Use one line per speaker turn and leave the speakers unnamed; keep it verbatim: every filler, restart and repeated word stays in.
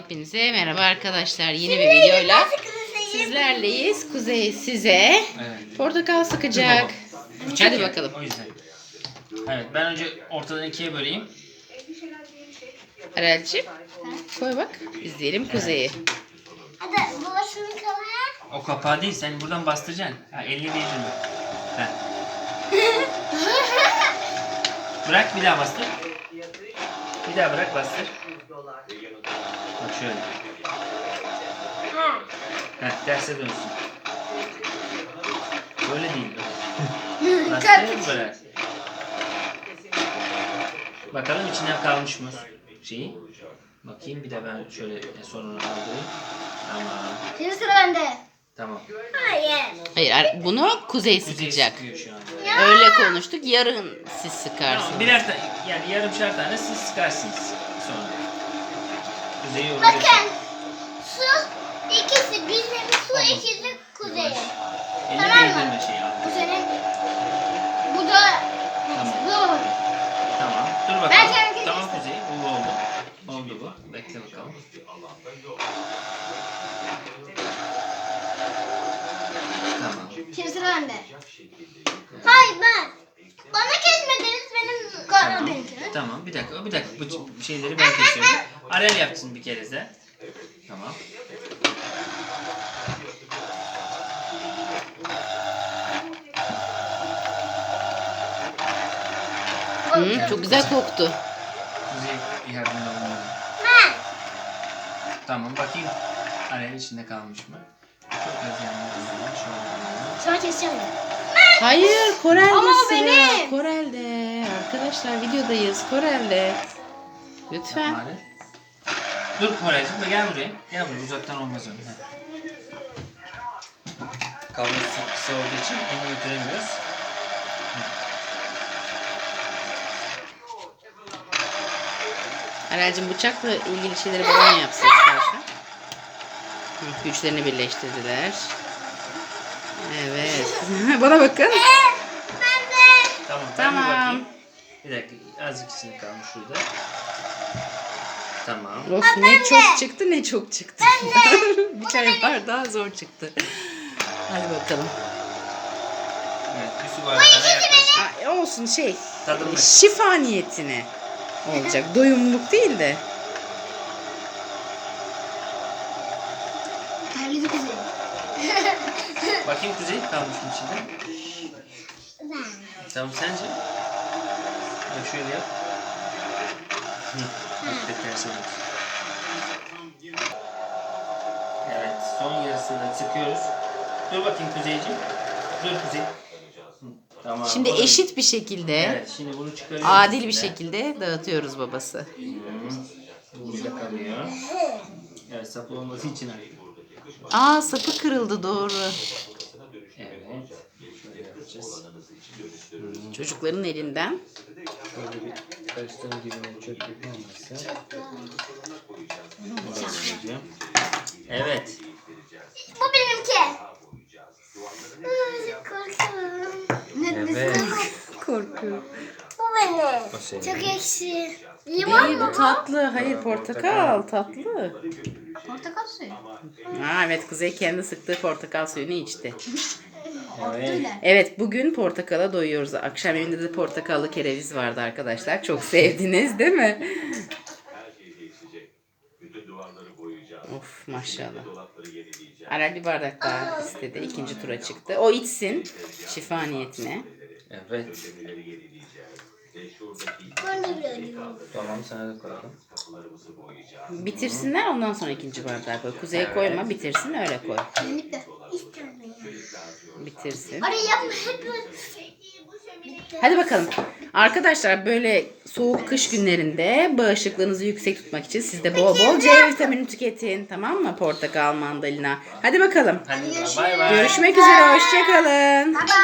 Hepinize merhaba arkadaşlar. Yeni bir videoyla sizlerleyiz. Kuzey size
Evet.
portakal sıkacak.
Küçük
Hadi
ya,
bakalım.
O yüzden. Evet, ben önce ortadan ikiye böleyim.
Arelciğim koy bak. İzleyelim Kuzey'i.
Hadi babasının kapağı.
O kapağı değil, sen buradan bastıracaksın. Ha, elini değdirme. Ha. Bırak, bir daha bastır. Bir daha bırak, bastır. Bak şöyle. Heh, terse dönsün. Böyle değil. Bastır, böyle. Bakalım içinden kalmış mı şeyi. Bakayım, bir de ben şöyle sonunu aldırayım. Tamam.
Şimdi sıra bende.
Tamam.
Hayır.
Hayır ar- bunu Kuzey
Kuzey
sıkacak.
sıkıyor şu an.
Öyle konuştuk. Yarın siz sıkarsınız.
Tamam, birer tane, yani yarımşar tane siz sıkarsınız sonra. Kuzeyi yoracak.
Bakın. Su ikisi bizim su
Tamam.
ikisi kuzey.
Elini
Tamam mı?
değdirme şeyi al.
Bu senin. Bu da.
Tamam.
Bu.
Tamam. Dur
Ben
bakalım.
kendim
Tamam Kuzey. Bu oldu. Oldu bu. Bekle bakalım. Tamam.
Şimdi sıra bende. Hayır ben. Bana kesmediniz benim
Tamam.
kanal benimkini.
Tamam. Bir dakika. Bir dakika. Bu şeyleri ben kesiyorum. Arel yapsın bir kere de. Tamam.
Hı, çok güzel koktu.
Kuzey yardımcı olmalı.
Ben.
Tamam. Bakayım. Arel'in içinde kalmış mı? Çok az yanmış. Şöyle.
Sonra keseceğim ben.
Hayır, Korel'de
Ama o
sıra.
benim.
Korel'de. Arkadaşlar videodayız. Korel'de. Lütfen.
Yapma Arel. Dur Koraycığım, gel buraya. Gel buraya, uzaktan olmaz öyle. Kablosu kısa olduğu için onu götüremiyoruz.
Arelciğim bıçakla ilgili şeyleri bana yapsın istersen. Hı, güçlerini birleştirdiler. Evet. Bana bakın.
Ben de.
Tamam, ben bir
Tamam.
bakayım. Bir dakika, azıcık içinde kalmış şurada. Tamam.
Of ne çok çıktı ne çok çıktı. Bir çay var daha zor çıktı. Hadi bakalım.
Evet, bir su bardağına yaklaşık.
Aa, olsun şey.
Tadımlık.
Şifa niyetine olacak. Doyumluk değil de.
Terledi kuzey.
Bakayım Kuzey kalmış mı içinde?
Ben.
Tamam, sence? Bak şöyle yap. Hı. Bak da terse dön. Evet, son yarısını da sıkıyoruz. Dur bakayım Kuzeyciğim. Dur Kuzey. Hı, tamam.
Şimdi
bunu-
eşit bir şekilde,
Evet, şimdi bunu çıkarıyoruz.
adil bir
içinden.
şekilde dağıtıyoruz babası.
Hı. Bu burada kalıyor. Evet, sapı olması için arayayım.
Aa sapı kırıldı doğru.
Evet. Şöyle yapacağız.
Çocukların elinden.
Şöyle bir karıştırma dibine çöplük olmazsa. Bunu da koyacağım. Evet.
Bu benimki. Ay, korkuyorum. Ne
Evet.
Korkuyorum.
Bu benim.
O senin.
Çok ekşi. Limon
İyi
mu
bu tatlı. Hayır portakal tatlı.
Portakal suyu.
Aa, evet Kuzey kendi sıktığı portakal suyunu içti.
Evet.
Evet bugün portakala doyuyoruz. Akşam evinde de portakallı kereviz vardı arkadaşlar. Çok sevdiniz değil mi? Of maşallah. Arel bir bardak daha istedi. İkinci tura çıktı. O içsin. Şifa niyetine.
Evet.
Ben de biliyorum.
Tamam, sana da koyalım.
Bitirsinler ondan sonra ikinci bardağı koy. Kuzeye koyma bitirsin öyle koy.
Kesinlikle. İstiyorum.
Bitirsin.
Orayı yapma hep böyle.
Hadi bakalım. Arkadaşlar böyle soğuk kış günlerinde bağışıklığınızı yüksek tutmak için siz de bol bol C vitamini tüketin. Tamam mı? Portakal, mandalina. Hadi bakalım.
Hadi bay bay.
Görüşmek üzere. Hoşçakalın.
Baba.